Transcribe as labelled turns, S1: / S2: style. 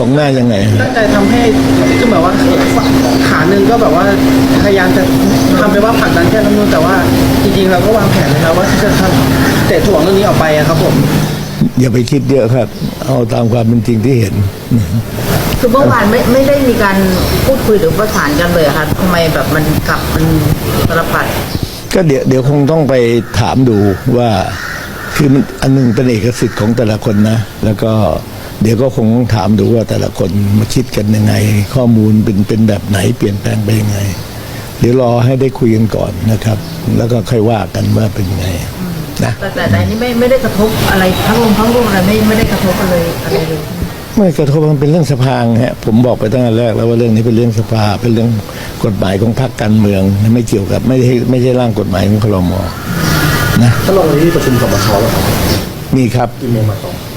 S1: งหน้ายังไง
S2: ตั้งใจทำให้คือแบบว่าขาหนึ่งก็แบบว่าพยายามจะทำไปว่าผลักดันแค่รัฐธรรมนูญแต่ว่าจริงๆเราก็วางแผนนะครับว่าที่จะทำเตะถ่วงเรื่องนี้ออกไปอะครับผม
S1: อย่าไปคิดเยอะครับ เอาตามความเป็นจริงที่เห็น
S3: คือเมื่อวานไม่ได้มีการพูดคุยหรือประสานกันเลยครับทำไมแบบมันกลับมันสารพัด
S1: ก็เดี๋ยวคงต้องไปถามดูว่าคือมันอันหนึงเป็นเอกสิทธิ์ของแต่ละคนนะแล้วก็เดี๋ยวก็คงต้องถามดูว่าแต่ละคนมาคิดกันยังไง ข้อมูลเป็นแบบไหนเปลี่ยนแปลงไปยังไง เดี๋ยวรอให้ได้คุยกันก่อนนะครับ แล้วก็ค่อยว่ากันว่าเป็นยังไงนะ
S3: แต่อันนี้ไม่ได้กระทบอะไรทั้งร่วมอะไรไม่ได้กระทบอะไรเลย
S1: ไม่กระทบมันเป็นเรื่องสภาฮะผมบอกไปตั้งแต่แรกแล้วว่าเรื่องนี้เป็นเรื่องสภาเป็นเรื่องกฎหมายของพรรคการเมืองไม่เกี่ยวกับไม่ใช่ร่างกฎหมายของครม.นะ
S4: ถ้าลงในที่ประชุมสมชแล้วครับ
S1: มีครับ
S4: กี่โมงมาต่อ